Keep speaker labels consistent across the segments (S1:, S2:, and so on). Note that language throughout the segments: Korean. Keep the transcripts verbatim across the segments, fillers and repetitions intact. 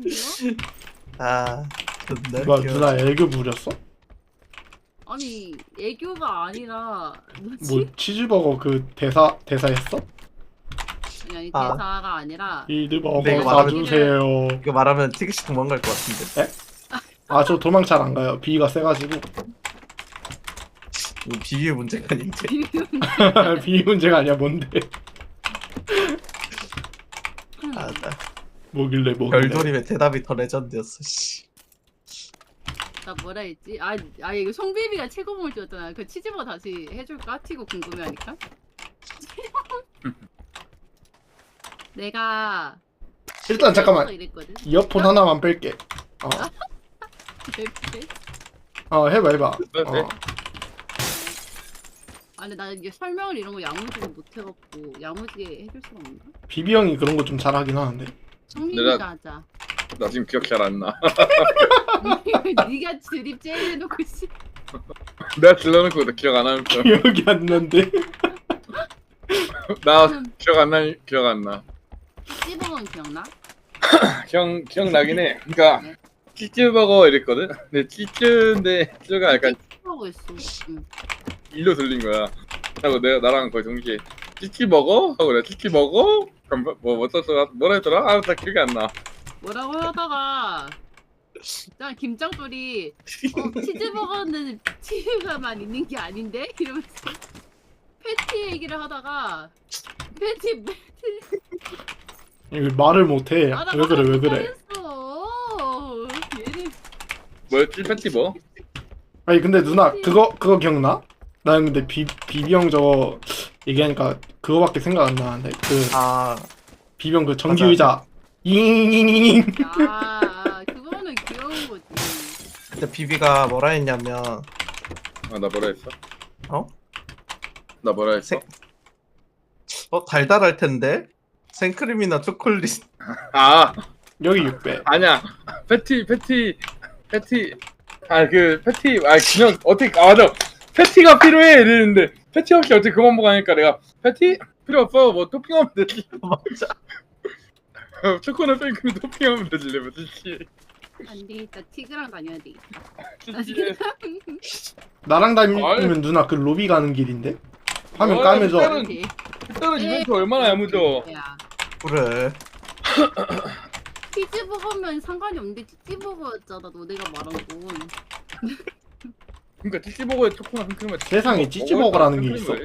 S1: 아, 존나
S2: 누가
S1: 웃겨.
S2: 누나 애교 부렸어?
S3: 아니 애교가 아니라 뭐지?
S2: 뭐 치즈버거 그 대사 대사 했어?
S3: 아니 아니
S1: 아.
S3: 대사가 아니라
S2: 치즈버거
S1: 근데 이거
S2: 사주세요.
S1: 이거 말하면 티그시 도망갈 것 같은데.
S2: 아 저 도망 잘 안 가요. 비위가 세가지고.
S1: 이거 비위의 문제가 아닌데.
S2: 비위 문제가 아니야. 뭔데?
S1: 아, 나
S2: 뭐길래 뭐길래?
S1: 별돌임의 대답이 더 레전드였어. 씨.
S3: 나 뭐라 했지? 아, 아 이거 송비비가 최고봉을 찍었잖아. 그 치즈버 다시 해줄까? 튀고 궁금해하니까. 내가
S2: 일단 잠깐만.
S3: 이랬거든.
S2: 이어폰 하나만 뺄게. 어,
S3: 네,
S2: 어 해봐 해봐.
S4: 네, 네.
S2: 어.
S3: 아 근데 나 이게 설명을 이런 거 야무지게 못 해갖고 야무지게 해줄 수가 없나?
S2: 비비 형이 그런 거 좀 잘하긴 하는데.
S3: 성민이가
S4: 내가-
S3: 하자.
S4: 나 지금 기억 잘 안 나.
S3: 네가 드립 제일 해놓고 씨.
S4: 내가 질러놓고 나 기억 안 하면서.
S2: 기억이 안 난데.
S4: 나 기억 안 나, 기억 안 나.
S3: 찌버건 기억나?
S4: 기억, 기억나긴 해. 그니까, 치즈버거 이랬거든? 근데 치즈인데, 치즈가 약간
S3: 찌버거 했어. 응.
S4: 일로 들린 거야. 하고 내가 나랑 거의 동시에, 치즈버거? 하고 내가 치즈버거? 그럼 뭐, 뭐, 뭐 썼더라? 뭐라 했더라? 아, 나 기억이 안 나.
S3: 뭐라고 하다가 일단 김짱돌이 어, 치즈버거는 치즈가만 있는 게 아닌데? 이러면서 패티 얘기를 하다가 패티 패티
S2: 이거 말을 못해.
S3: 하다가
S2: 왜 그래 왜 그래?
S3: 했어. 얘는
S4: 뭐였지? 패티 뭐?
S2: 아니 근데 누나 그거 그거 기억나? 나는 근데 비 비비 형 저거 얘기하니까 그거밖에 생각 안 나는데 그
S1: 아,
S2: 비비 형 그 전기 의자 잉잉잉잉.
S3: 아, 아 그거는 귀여운 거지.
S1: 근데 비비가 뭐라 했냐면,
S4: 아, 나 뭐라 했어?
S1: 어?
S4: 나 뭐라 했어?
S1: 색- 어 달달할 텐데 생크림이나 초콜릿.
S4: 아,
S2: 여기 육 배.
S4: 아니야. 패티, 패티, 패티. 아, 그, 패티, 아, 그냥, 어떻게, 아, 맞아. 패티가 필요해! 이랬는데, 패티 없이 어떻게 그만 먹으니까 내가, 패티? 필요 없어. 뭐, 토핑하면 되지.
S1: 맞아.
S4: 초코나 생크림 토핑하면 되지. 이러면 찌찌.
S3: 안 되겠다. 티그랑 다녀야 되겠다.
S4: 찌찌.
S2: 나랑
S4: 아이.
S2: 다니면 누나 그 로비 가는 길인데 화면
S4: 어이,
S2: 까매져.
S4: 일단은- 그때는 이벤트 얼마나 야무져.
S3: 야,
S1: 그래.
S3: 치즈버거면 상관이 없는데 치즈버거였잖아. 너네가 말한 건.
S4: 그러니까 찌찌버거에 초코나 생크림에
S2: 세상에 찌찌버거라는 게 있어?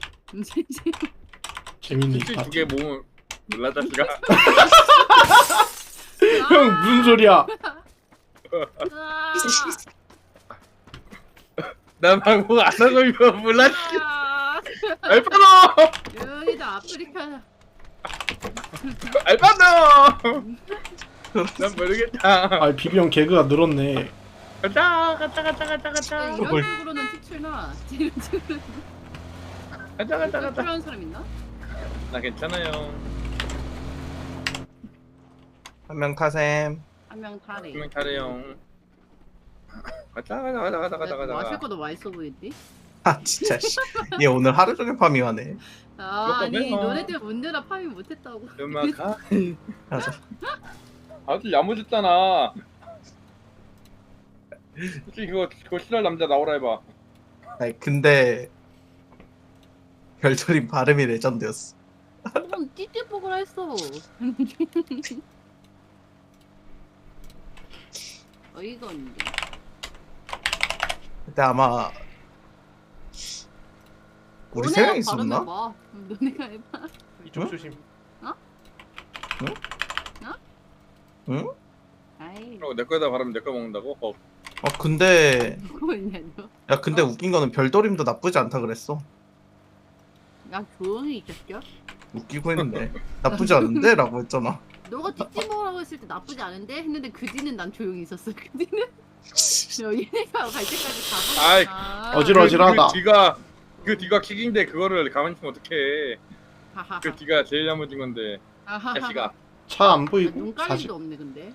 S2: 재밌네.
S4: 찌찌
S2: 아,
S4: 두개 모으면 몰라 자식아.
S2: 형 무슨 소리야?
S3: 아,
S4: 난 방송 안 하고 이거 몰라.
S3: 아,
S4: 알파노!
S3: 여기다 아프리카.
S4: 알파노! 난 모르겠다.
S2: 아 비비 형 개그가 늘었네.
S4: 가자 가자 가자 가자
S3: 야,
S4: 가자
S3: 이런
S1: 그걸-
S3: 식으로는 티출나. 이런 식으로
S4: 가자 가자 가자.
S3: 필요한 사람 있나?
S4: 나 괜찮아요.
S1: 한 명 타셈.
S3: 한 명 타래.
S4: 분명 잘해요. 가자 가자 가자 가자 가자
S3: 뭐 마실
S4: 가자.
S3: 것도 맛있어 보이지?
S1: 아 진짜 씨. 얘 오늘 하루 종일 파밍하네.
S3: 아, 아니
S4: 그거
S3: 너네들 문제라 파밍 못했다고.
S4: 음악가
S1: 맞아.
S4: 아주 야무졌잖아. 솔직히 그거 그거 싫어할 남자 나오라 해봐.
S1: 아니 근데 별돌임 발음이 레전드였어.
S3: 그건 찌찌뽀글 했어. 어이가 없네.
S1: 그때 아마 우리 세 명 있었나?
S3: 봐. 너네가 해봐.
S2: 이쪽 조심.
S1: 응?
S3: 아이
S4: 그리고 내 거에다 바르면 내 거 먹는다고? 어.
S1: 어 근데
S3: 그거 있냐 너?
S1: 야 근데 웃긴 거는 별돌임도 나쁘지 않다 그랬어.
S3: 야 조용히 있겠죠?
S1: 웃기고 했는데 나쁘지 않은데? 라고 했잖아.
S3: 너가 찌찌뽀라고 했을 때 나쁘지 않은데 했는데 그 뒤는 난 조용히 있었어. 그 뒤는 너 얘네가 갈 때까지
S4: 아이,
S3: 가보니까.
S2: 어지러지러하다.
S4: 그 뒤가 그 뒤가 킥인데 그거를 가만히 있으면 어떡해.
S3: 하하하.
S4: 그 뒤가 제일 야무진 건데.
S3: 하하하.
S4: 자식아.
S2: 차 안 보이고
S3: 눈깔림도
S2: 사실.
S3: 없네 근데.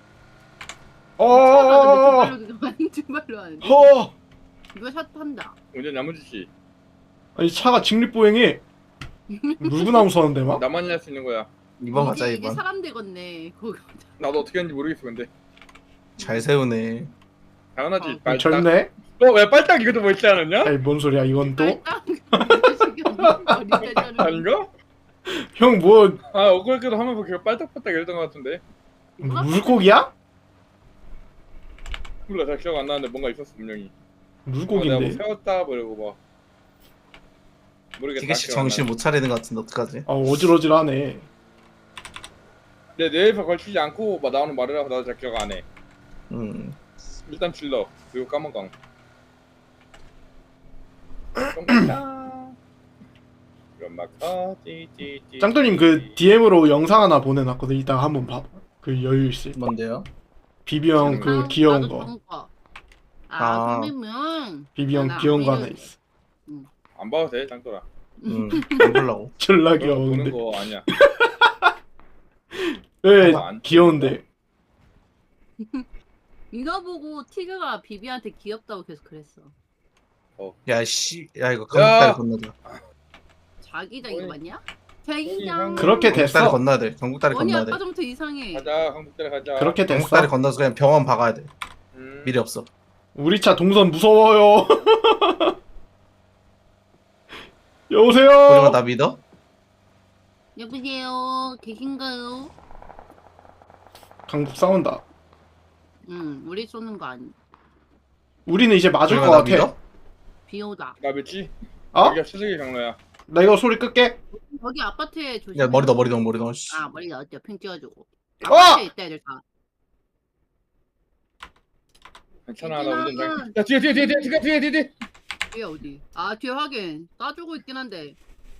S2: 어.
S3: 두 발로 하는데.
S2: 허.
S3: 이거 샷 한다.
S4: 완전 야무지지.
S2: 아니 차가 직립보행해. 물구나무 서는데 막.
S4: 나만이 할 수 있는 거야.
S1: 이번 가자
S3: 이제, 이제
S1: 이번.
S3: 사람 되겠네. 그거.
S4: 나도 어떻게 하는지 모르겠어 근데.
S1: 잘 세우네.
S4: 당연하지.
S3: 어,
S4: 빨딱.
S2: 젊네?
S4: 어왜 빨딱 이것도 뭐 있지 않았냐?
S2: 아니 뭔 소리야 이건 또?
S4: 아닌가?
S2: 형 뭐
S4: 아 엊그저께도 하면서 걔가 빨딱빨딱 이랬던 것 같은데.
S2: 물고기야?
S4: 몰라 잘 기억 안 나는데 뭔가 있었어 분명히. 어, 내가 뭐
S2: 물고기인데.
S4: 세웠다 뭐라고 막. 모르겠다.
S1: 티그씨
S4: 기억 안
S1: 정신
S4: 나네.
S1: 못 차리는 것 같은데 어떡하지?
S2: 아 어질어질하네.
S4: 내 뇌에서 걸치지 않고 막 나오는 말이라서 나도 잘 기억 안 해.
S1: 음.
S4: 일단 질러 그리고 까만강. 똥강강. 연막하 띠띠띠.
S2: 짱돌님 그 디엠으로 영상 하나 보내놨거든. 이따가 한번 봐. 그 여유 있을 때.
S1: 뭔데요?
S2: 비비 형 그
S3: 나도
S2: 귀여운
S3: 나도
S2: 거.
S3: 좋은 거.
S1: 아.
S3: 아, 선배면
S2: 비비 형
S3: 나
S2: 귀여운 거
S3: 오히려-
S2: 하나 있어.
S4: 안 봐도 돼 짱돌아.
S1: 음. 안 보려고.
S2: 졸라
S4: 그런 거 보는
S2: 귀여운데.
S4: 거 아니야.
S2: 왜
S4: 아, 안
S2: 귀여운데?
S3: 이거 보고 티그가 비비한테 귀엽다고 계속 그랬어.
S1: 야 씨. 야 이거
S4: 야!
S1: 강북다리 건너자.
S3: 자기장
S4: 어이.
S3: 이거 맞냐?
S4: 어이,
S3: 자기장.
S2: 그렇게
S1: 강북다리
S2: 됐어.
S1: 건너야 돼. 강북다리
S3: 원이
S1: 건너야 돼.
S3: 아까 전부터 이상해.
S4: 가자 한국대로 가자.
S2: 그렇게 됐어.
S1: 강북다리 건너서 그냥 병원 박아야 돼.
S4: 음.
S1: 미래 없어.
S2: 우리 차 동선 무서워요. 여보세요.
S1: 우리가 나 믿어?
S3: 여보세요. 계신가요?
S2: 강북 싸운다.
S3: 응, 우리 쏘는 거 아니.
S2: 우리는 이제 맞을
S1: 우리가
S2: 것
S1: 나
S2: 같아.
S1: 믿어?
S3: 비 오다.
S4: 나 믿지?
S2: 어?
S4: 여기가 최적의 경로야.
S2: 나 이거 소리 끌게.
S3: 여기 아파트에 조심.
S1: 야 머리 넣어 머리 넣어 머리 넣어. 씨.
S3: 아 머리 넣었죠. 핑 찍어주고.
S2: 어!
S3: 아파트에 있다 애들 다.
S4: 괜찮아 나 운전 잘.
S3: 괜찮아.
S4: 야 뒤에 뒤에 뒤에 뒤에 뒤에 뒤에 뒤에 뒤에.
S3: 뒤에 어디? 아 뒤에 확인. 따주고 있긴 한데.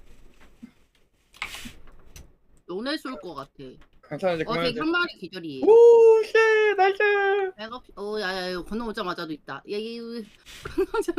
S3: 너네 쏠 것 같아.
S4: 괜찮아 이제
S3: 어, 저기
S4: 그만해.
S3: 한 마리 기절이.
S4: 오씨 나이스.
S3: 백업. 어, 야야, 이거 건너오자마자도 있다. 야, 이 건너오자.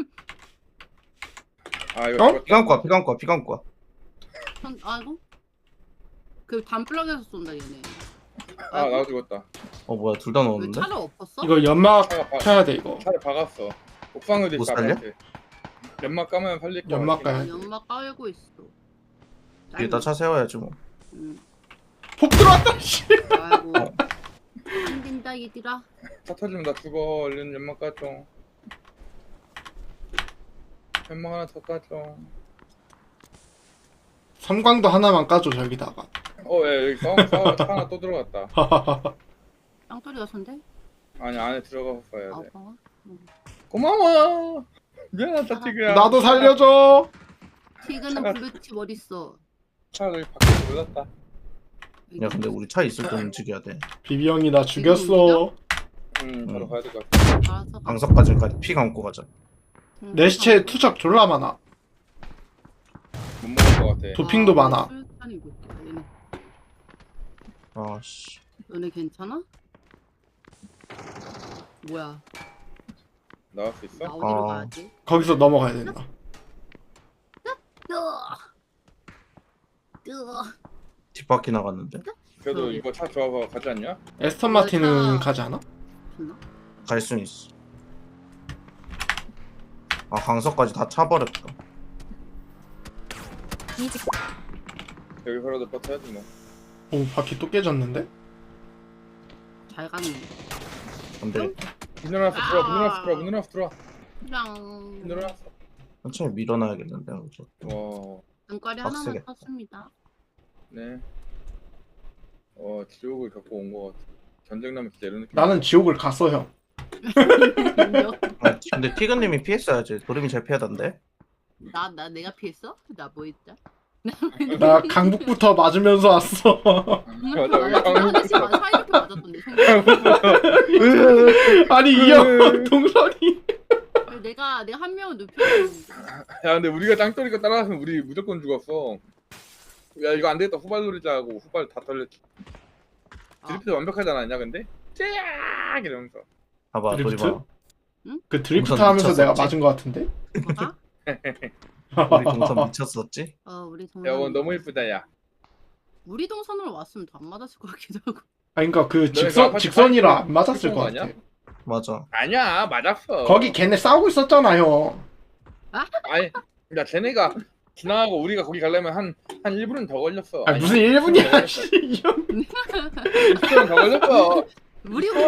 S4: 아 이거
S2: 어?
S4: 죽었다.
S1: 피감고 와 피감고 와 피감고 와.
S3: 아이고. 그 단플락에서 쏜다 얘네.
S4: 아 나도 죽었다.
S1: 어 뭐야 둘 다
S3: 왜
S1: 넣었는데?
S3: 차를 엎었어?
S2: 이거 연막
S4: 차가 봐.
S2: 켜야 돼 이거.
S4: 차를 박았어. 옥상으로
S1: 못
S4: 있어.
S1: 살려?
S4: 아파트. 연막 까면 살릴 거.
S2: 연막
S4: 같긴
S2: 까야
S3: 아,
S2: 돼.
S3: 연막 깔고 있어.
S1: 뒤에다 차 세워야지 뭐.
S3: 응.
S2: 폭 들어왔다. 씨.
S3: 아이고. 안 된다 얘들아.
S4: 해. 차 터지면 나 죽어. 얼른 연막 까줘. 연막 하나 더 까줘.
S2: 삼광도 하나만 까줘 저기다가.
S4: 어예 여기 싸움 싸움 차 하나 또 들어갔다.
S3: 짱돌이가 손대?
S4: 아니 안에 들어가서 써야
S3: 아,
S4: 돼.
S3: 봐.
S4: 고마워. 미안하다 티그야.
S2: 나도 살려줘.
S3: 티그는 블루칩 어딨어?
S4: 차가 여기 밖에 몰랐다.
S1: 야 근데 우리 차 있을 때 움직여야 돼.
S2: 비비 형이 나 죽였어.
S4: 응 바로
S1: 응.
S4: 가야 될 것 같아.
S3: 알았어. 가.
S1: 강석까지까지 피 감고 가자.
S3: 응,
S2: 내 시체
S3: 가자.
S2: 투척 졸라 많아.
S4: 못 먹을 것 같아.
S2: 도핑도
S3: 아,
S2: 많아.
S3: 술탄이고 있다, 얘네.
S1: 아씨.
S3: 너네 괜찮아? 뭐야?
S4: 나갈 수 있어?
S3: 나 어디로
S1: 아.
S3: 가야지?
S2: 거기서 넘어가야 된다.
S3: 뜨어. 뜨어.
S1: 뒷바퀴 나갔는데?
S4: 그래도
S3: 응.
S4: 이거 차 좋아서 가지 않냐?
S2: 에스턴 마틴은
S3: 여기다-
S2: 가지 않아?
S3: 됐나?
S1: 갈 순 있어. 아 강석까지 다 차버렸다.
S4: 여기서라도 버텨야지 뭐.
S2: 오 바퀴 또 깨졌는데?
S3: 잘 가네.
S1: 안돼.
S4: 문 열어놨어 들어와 문 열어놨어 들어와 문 열어놨어 들어와
S3: 그냥
S4: 문 열어놨어.
S1: 천천히 밀어놔야겠는데. 그죠?
S4: 와
S3: 눈깔이 하나만
S1: 빡세겠다.
S3: 떴습니다.
S4: 네. 어 지옥을 겪고 온 것 같아. 전쟁 나면 진짜 이런 느낌.
S2: 나는 지옥을 갔어 형.
S1: 아, 근데 티그님이 피했어야지. 도림이 잘 피하던데.
S3: 나, 나 내가 피했어? 나 뭐 했다?
S2: 나 강북부터 맞으면서 왔어.
S4: 맞아 여기 강북
S3: 아저씨 맞아 사이좋게 맞았던데.
S2: 아니 이 형 동선이.
S3: 내가 내가 한 명을 눕혀줬는데.
S4: 야 근데 우리가 짱돌이가 따라갔으면 우리 무조건 죽었어. 야 이거 안 되겠다 후발 노리자 하고 후발 다 털렸지. 드리프트 완벽하지 않았냐 근데? 쫙 이러면서.
S1: 봐봐
S2: 드리프트?
S1: 도림아.
S2: 그 드리프트
S1: 동선
S2: 하면서 내가
S1: 미쳤었지?
S2: 맞은 것 같은데?
S3: 뭐가?
S1: 우리 동선 미쳤었지?
S3: 어 우리
S4: 야
S3: 동선.
S4: 원 너무 이쁘다 야.
S3: 우리 동선으로 왔으면 더 안 맞았을 것 같기도 하고.
S2: 아니 그니까 그
S4: 너네 그
S2: 직선
S4: 아파트
S2: 직선이라
S4: 사이트
S2: 안 맞았을
S4: 찍은
S2: 것
S4: 거
S2: 같아.
S4: 아니야?
S1: 맞아.
S4: 아니야 맞았어.
S2: 거기 걔네 싸우고 있었잖아 형.
S4: 아니 야 쟤네가 지나가고 우리가 거기 가려면 한 한 일 분은 더 걸렸어.
S2: 아 무슨 일 분이야 씨. 이 형.
S4: 이십 분은 더 걸렸어.
S3: 우리